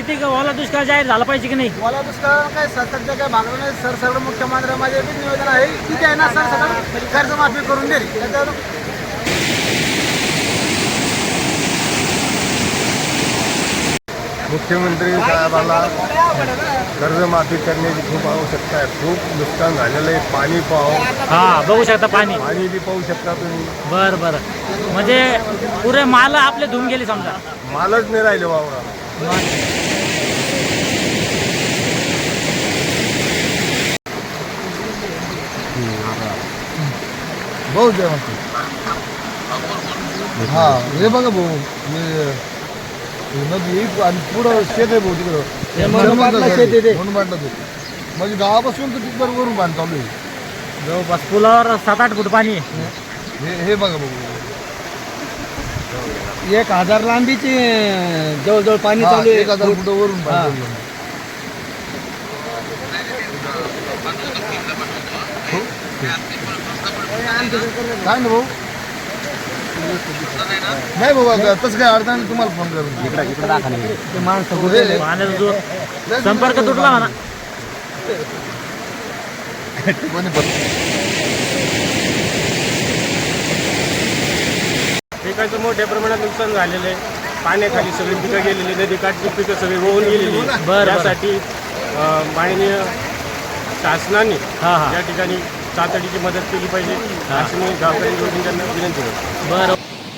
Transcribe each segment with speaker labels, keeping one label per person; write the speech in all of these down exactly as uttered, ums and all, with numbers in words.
Speaker 1: किती ओला दुष्काळ जाहीर झाला पाहिजे की नाही?
Speaker 2: ओला दुष्काळ काय सरकारच्या काय भागलं नाही सर. सगळं मुख्यमंत्र्यांमध्ये बी नियोजन आहे किती आहे ना सर, सगळं कर्जमाफी करून देईल. त्याच्यावर
Speaker 3: मुख्यमंत्री साहेबाला कर्जमाफी करण्याची खूप आवश्यकता आहे. खूप नुकसान झालेलं आहे. पाणी पाहू,
Speaker 1: हा बघू शकता पाणी.
Speaker 3: पाणी बी पाहू शकता तुम्ही.
Speaker 1: बर बर म्हणजे पुरे माल आपले धुवून गेले समजा.
Speaker 3: मालच नाही राहिले वावरा.
Speaker 2: भाऊ द्या हा हे बघा भाऊ नदी आणि पुढं शेत आहे भाऊ तिकडं म्हणून बांधलं ते. म्हणजे गावापासून तर तिथपर्यंत वरून बांध चालू आहे.
Speaker 1: जवळपास पुलावर सात आठ फूट पाणी आहे.
Speaker 2: हे हे बघा भाऊ एक हजार लांबीची जवळजवळ पाणी चालू आहे. एक हजार फुट वरून बांधलं. काय ना भाऊ नाही बाबा तसं काय अडचण नाही. तुम्हाला फोन करून इकडे इकडे दाखवा ते माणसं
Speaker 1: पाण्याचा जो संपर्क तुटला म्हणा.
Speaker 3: पिकाचं मोठ्या प्रमाणात नुकसान झालेलं आहे. पाण्याखाली सगळी पिकं गेलेली, नदी काठची पिकं सगळी वाहून गेलेली. त्यासाठी माननीय शासनाने
Speaker 1: हा हा
Speaker 3: या ठिकाणी तातडीची मदत केली पाहिजे अशी मी गावकरी जोडींना विनंती करतो.
Speaker 1: बरं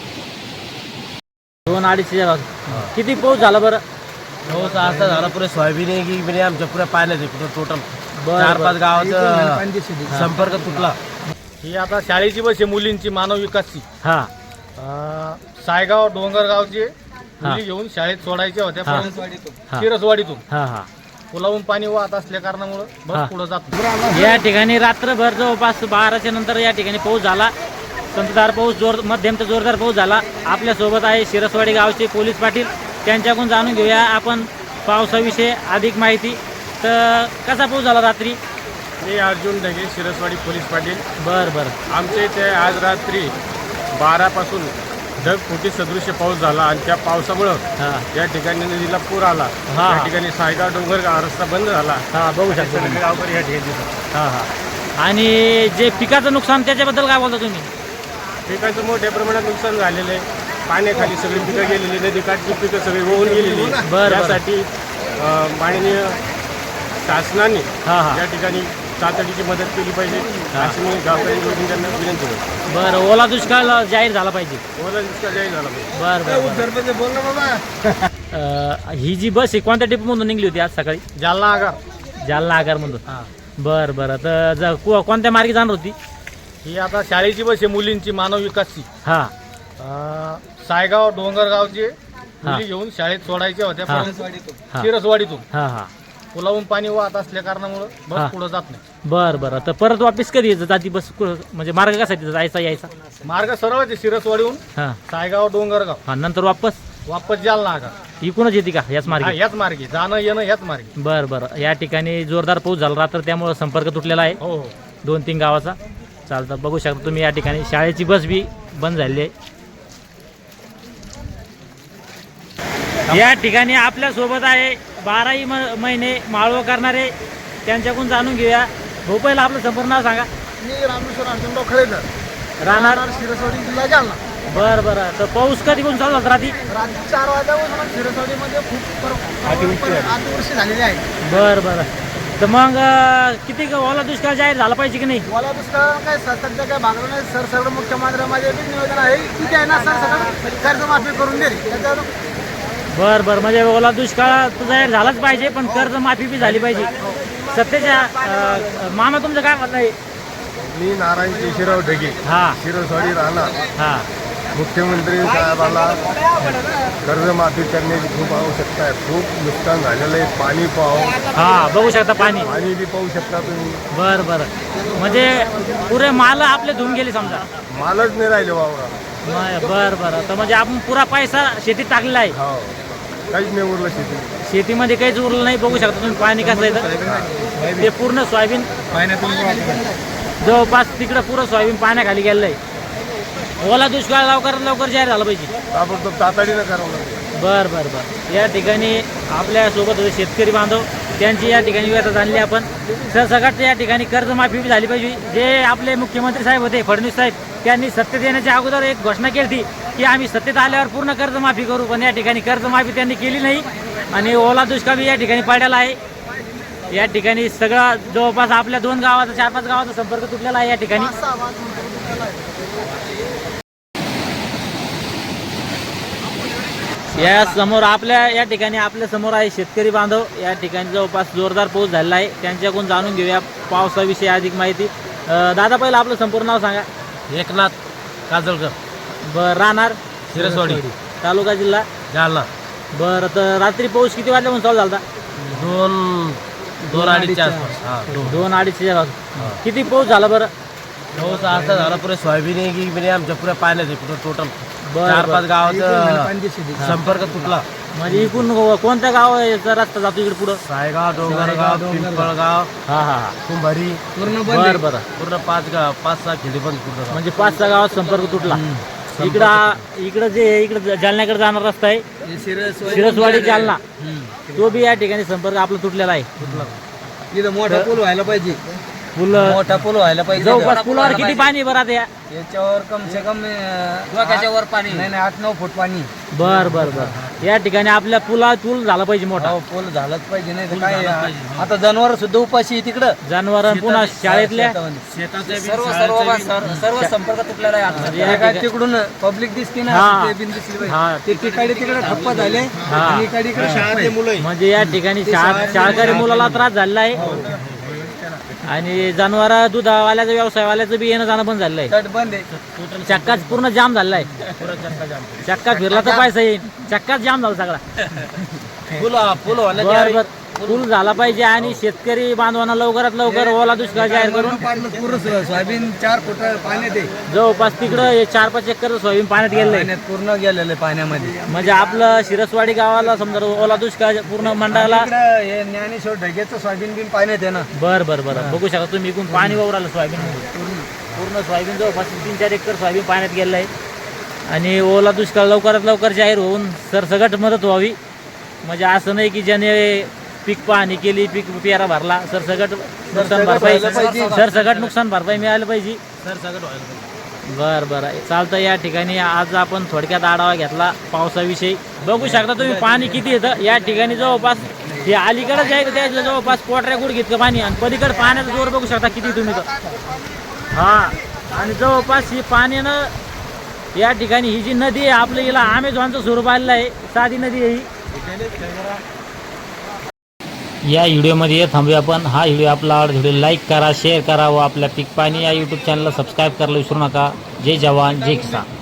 Speaker 1: दोन अडीचशे किती पाऊस झाला बरं?
Speaker 4: पाऊस असा झाला पुरे सोयाबीन आहे की म्हणजे आमच्या पुऱ्या पाण्याचे टोटल
Speaker 1: बरं,
Speaker 4: चार
Speaker 1: बरं.
Speaker 4: पाच गावाचा संपर्क तुटला.
Speaker 5: ही आता शाळेची बस आहे मुलींची मानव विकासची.
Speaker 1: हा
Speaker 5: अं, सायगाव डोंगरगावचे मुली घेऊन शाळेत सोडायच्या होत्या
Speaker 1: हा.
Speaker 5: परंतु
Speaker 1: हा.
Speaker 5: शिरसवाडीतून
Speaker 1: हा हा
Speaker 5: पुलावून पाणी वाहत असल्या कारणामुळे
Speaker 1: हा.
Speaker 5: बस पुढे जात नाही.
Speaker 1: या ठिकाणी रात्रभर जवळपास बाराच्या नंतर या ठिकाणी पाऊस झाला. संततधार पाऊस, जोर मध्यम ते जोरदार पाऊस झाला. आपल्यासोबत आहे शिरसवाडी गावचे पोलीस पाटील. त्यांच्याकडून जाणून घेऊया आपण पावसाविषयी अधिक माहिती. तर कसा पाऊस झाला रात्री?
Speaker 3: मी अर्जुन ढगे, शिरसवाडी पोलीस पाटील.
Speaker 1: बरं बरं
Speaker 3: आमच्या इथे आज रात्री बारापासून ढगफुटी सदृश्य पाऊस झाला आणि त्या पावसामुळं
Speaker 1: हा
Speaker 3: या ठिकाणी नदीला पूर आला.
Speaker 1: हा.
Speaker 3: या ठिकाणी सायगाव डोंगरगाव रस्ता बंद झाला.
Speaker 1: हा बघू शकता
Speaker 3: सगळे
Speaker 1: तुम्ही.
Speaker 3: गावकरी या ठिकाणी दिसतात.
Speaker 1: हा हा आणि जे पिकाचं नुकसान त्याच्याबद्दल काय बोलता तुम्ही?
Speaker 3: पिकाचं मोठ्या प्रमाणात नुकसान झालेलं आहे. पाण्याखाली सगळी पिकं गेलेली, नदी काठची पिकं सगळी वाहून गेलेली.
Speaker 1: बरं.
Speaker 3: त्यासाठी अं, माननीय शासनाने
Speaker 1: हा हा
Speaker 3: या ठिकाणी तातडीची मदत केली पाहिजे अशी मी गावकरी जोडींना विनंती करतो.
Speaker 1: बरं ओला दुष्काळ जाहीर झाला पाहिजे.
Speaker 3: ओला दुष्काळ जाहीर झाला पाहिजे.
Speaker 1: बरं बरं, बरं
Speaker 2: बोल ना बाबा.
Speaker 1: अं, ही जी बस आहे कोणत्या डिपोमधून निघली होती आज सकाळी?
Speaker 5: जालना आगार
Speaker 1: जालना आगारमधून. बरं बरं तर ज- को- कोणत्या मार्गी जाणार होती?
Speaker 5: ही आता शाळेची बस आहे मुलींची मानव विकासची.
Speaker 1: हा
Speaker 5: अं, सायगाव डोंगरगावचे
Speaker 1: हा.
Speaker 5: मुली घेऊन शाळेत सोडायच्या होत्या
Speaker 1: हा.
Speaker 5: परंतु
Speaker 1: हा.
Speaker 5: शिरसवाडीतून
Speaker 1: हा हा
Speaker 5: पुलावून पाणी वाहत असल्या कारणामुळे
Speaker 1: हा.
Speaker 5: बस पुढे जात नाही.
Speaker 1: बरं बरं तर परत वापिस कधी यायचं जाती बस कु- म्हणजे मार्ग कसा आहे तिथं जायचा यायचा?
Speaker 5: मार्ग सरळ आहे शिरसवाडीहून
Speaker 1: हा
Speaker 5: सायगाव डोंगरगाव
Speaker 1: हा नंतर वापस
Speaker 5: वापस जालना आगार.
Speaker 1: इकूनच येते का याच
Speaker 5: हा,
Speaker 1: मार्गे?
Speaker 5: याच मार्गे जाणं येणं याच मार्गे.
Speaker 1: बरं बरं या ठिकाणी जोरदार पाऊस झाला रात्र त्यामुळं संपर्क तुटलेला आहे
Speaker 5: हो हो
Speaker 1: दोन तीन गावाचा. चालतं बघू शकता तुम्ही या ठिकाणी शाळेची बस बी बंद झालेली आहे. या ठिकाणी आपल्या सोबत आहे बाराही म महिने माळव करणारे. त्यांच्याकडून जाणून घेऊया. भाऊ पहिला आपलं संपूर्ण नाव सांगा.
Speaker 2: मी रामेश्वर अर्जुनराव खळेकर,
Speaker 1: राहणार
Speaker 2: शिरसवाडी जिल्हा जालना.
Speaker 1: बरं बरं तर पाऊस कधी कोण चालू होता रात्री?
Speaker 2: रात्री चार वाजल्यापासून शिरसवाडीमध्ये खूप अतिवृष्टी झालेली आहे.
Speaker 1: बरं बरं तर मग अं, किती ओला दुष्काळ जाहीर झाला पाहिजे की नाही?
Speaker 2: ओला दुष्काळ काय सरकारच्या काय भागलं नाही सर. सगळं मुख्यमंत्र्यांमध्ये बी नियोजन आहे किती आहे ना सर, सगळं कर्जमाफी करून देईल. त्याच्यावर
Speaker 1: बरं बरं म्हणजे ओला दुष्काळ तर जाहीर झालाच पाहिजे पण कर्जमाफी बी झाली पाहिजे. सत्तेच्या अं, मामा तुमचं काय म्हणणं आहे?
Speaker 3: मी नारायण केशवराव ढगे,
Speaker 1: हा
Speaker 3: शिरसवाडी राहणार.
Speaker 1: हा
Speaker 3: मुख्यमंत्री साहेबाला कर्जमाफी करण्याची खूप आवश्यकता आहे. खूप नुकसान झालेलं आहे. पाणी पाहू,
Speaker 1: हा बघू शकता पाणी.
Speaker 3: पाणी बी पाहू शकता तुम्ही.
Speaker 1: बरं बरं म्हणजे पुरे माल आपले धुवून गेले समजा.
Speaker 3: मालच नाही राहिले वावरा.
Speaker 1: म- बरं बरं तर म्हणजे आपण पुरा पैसा शेतीत टाकलेला आहे.
Speaker 3: हो काहीच नाही उरलं शेती.
Speaker 1: शेतीमध्ये काहीच उरलं नाही. बघू शकता तुम्ही पाणी कसं येतं. ते पूर्ण सोयाबीन जवळपास तिकडं पुरं सोयाबीन पाण्याखाली गेलेलं आहे. ओला दुष्काळ लवकरात लवकर जाहीर झाला पाहिजे.
Speaker 2: ताबडतोब तातडीनं करावं लागेल.
Speaker 1: बर बर बर या ठिकाणी आपल्या सोबत होते शेतकरी बांधव, त्यांची या ठिकाणी व्यथा जाणली आपण. सरसकट या ठिकाणी कर्जमाफी बी झाली पाहिजे. जे आपले मुख्यमंत्री साहेब होते फडणवीस साहेब, त्यांनी सत्तेत येण्याच्या अगोदर एक घोषणा केली होती की आम्ही सत्तेत आल्यावर पूर्ण कर्जमाफी करू, पण या ठिकाणी कर्जमाफी त्यांनी केली नाही आणि ओला दुष्काळ बी या ठिकाणी पडलेला आहे. या ठिकाणी सगळं जवळपास आपल्या दोन गावाचा चार पाच गावाचा संपर्क तुटलेला आहे. या ठिकाणी या समोर आपल्या या ठिकाणी आपल्या समोर आहे शेतकरी बांधव. या ठिकाणी जवळपास जोरदार पाऊस झालेला आहे, त्यांच्याकडून जाणून घेऊया पावसाविषयी अधिक माहिती. अं, दादा पहिलं आपलं संपूर्ण नाव सांगा.
Speaker 4: एकनाथ काजळकर,
Speaker 1: बरं राहणार
Speaker 4: शिरसवाडी,
Speaker 1: तालुका जिल्हा
Speaker 4: जालना.
Speaker 1: बरं तर रात्री पाऊस किती वाजल्यापासून चालू झाला?
Speaker 4: दोन दोन अडीचच्या आसपास. हा दोन
Speaker 1: दोन अडीचशे वाजता. किती पाऊस झाला बरं?
Speaker 4: पाऊस असा झाला पुरे सोयाबीन आहे की म्हणजे आमच्या पुऱ्या पाण्यात आहे पुढं टोटल
Speaker 1: बरं,
Speaker 4: चार
Speaker 1: बरं.
Speaker 4: पाच गावाचा संपर्क तुटला.
Speaker 1: म्हणजे इकडून कोणत्या गावाचा रस्ता जातो इकडे पुढं?
Speaker 4: सायगाव, डोंगरगाव, पिंपळगाव,
Speaker 1: हा हा हा
Speaker 4: कुंभारी,
Speaker 1: बरं बरं.
Speaker 4: पूर्ण पाच गाव पाच सहा खेडी बंद पूर्ण.
Speaker 1: म्हणजे पाच सहा गावात संपर्क तुटला. इकडं इकडं जे इकडं जालन्याकडे जाणारा रस्ता आहे शिरसवाडी जालना, तो बी या ठिकाणी संपर्क आपला तुटलेला आहे.
Speaker 2: इथं मोठा पूल व्हायला पाहिजे.
Speaker 1: पूल
Speaker 2: मोठा पूल व्हायला पाहिजे.
Speaker 1: जवळपास पुलावर किती पाणी बरं आता? या
Speaker 2: याच्यावर कम से कम डोक्याच्या पाणी नाही नाही आठ नऊ फूट पाणी.
Speaker 1: बर बर बर या ठिकाणी आपल्या पुला पूल झाला पाहिजे मोठा.
Speaker 2: हो पूल झालाच पाहिजे, नाही तर काय आता जनावर सुद्धा उपाशी आहे तिकडं.
Speaker 1: जनावर पुन्हा शाळेतल्या
Speaker 2: सर्व सर्व सर्व संपर्क तुटलेला आहे.
Speaker 1: म्हणजे
Speaker 2: आता
Speaker 1: या
Speaker 2: काय
Speaker 1: ठिकाणी-
Speaker 2: तिकडून पब्लिक दिसते ना,
Speaker 1: हा.
Speaker 2: ते बिन दिसली पाहिजे.
Speaker 1: हा.
Speaker 2: ते तिकडे तिकडे ठप्प झाले
Speaker 1: हा.
Speaker 2: आणि इकडे इकडे शाळेतले मुलं
Speaker 1: म्हणजे या ठिकाणी शा- शाळकरी मुलाला त्रास झालेला आहे आणि जनावर दुधावाल्याचं व्यवसायवाल्याचं बी येणं जाणं पण झालेलं आहे.
Speaker 2: तट बंद आहे.
Speaker 1: चक्काच पूर्ण जाम झालेला आहे. चक्का फिरला तर पैसा येईल. चक्काच जाम झाला सगळा.
Speaker 4: पूल पूल
Speaker 1: बर बर पूल झाला पाहिजे आणि शेतकरी बांधवांना लवकरात लवकर ओला दुष्काळ जाहीर करून
Speaker 2: पूर्ण सोयाबीन चार फूट पाण्यात आहे.
Speaker 1: जवळपास तिकडं हे चार पाच एकर सोयाबीन पाण्यात गेलेलं आहे.
Speaker 2: पाण्यात पूर्ण गेलेलं आहे पाण्यामध्ये.
Speaker 1: म्हणजे आपलं शिरसवाडी गावाला समजा ओला दुष्काळ पूर्ण मंडळाला.
Speaker 2: इकडं हे ज्ञानेश्वर ढगेचं सोयाबीन बिन पाण्यात आहे ना.
Speaker 1: बर बर बर बघू शकता तुम्ही इकडून पाणी वावरालं सोयाबीन पूर्ण सोयाबीन जवळपास तीन चार एकर सोयाबीन पाण्यात गेलेलं आहे आणि ओला दुष्काळ लवकरात लवकर जाहीर होऊन सरसगट मदत व्हावी. म्हणजे असं नाही की ज्याने पीक पाहणी केली, पीक पेरा भरला, सरसगट नुकसान भरपाई सरसगट नुकसान भरपाई मिळाली पाहिजे.
Speaker 4: सरसकट व्हायला पाहिजे.
Speaker 1: बर बर चालतं. या ठिकाणी आज आपण थोडक्यात आढावा घेतला पावसाविषयी. बघू शकता तुम्ही पाणी किती येतं या ठिकाणी. जवळपास हे अलीकडे जे आहे त्या जवळपास पोटऱ्या गुड घेतलं पाणी आणि पलीकडे पाण्याचा जोर बघू शकता किती तुम्ही तर. हा आणि जवळपास ही पाण्यानं या ठिकाणी ही जी नदी आहे आपल्या हिला अमेझॉनचं स्वरूप आलेलं आहे. साधी नदी आहे ही. या व्हिडिओमध्ये थांबूया आपण. हा व्हिडिओ आपला आवडला व्हिडिओ लाईक करा, शेअर करा व आपल्या पीक पाणी या यूट्यूब चॅनलला सबस्क्राईब करायला विसरू नका. जय जवान जय किसान.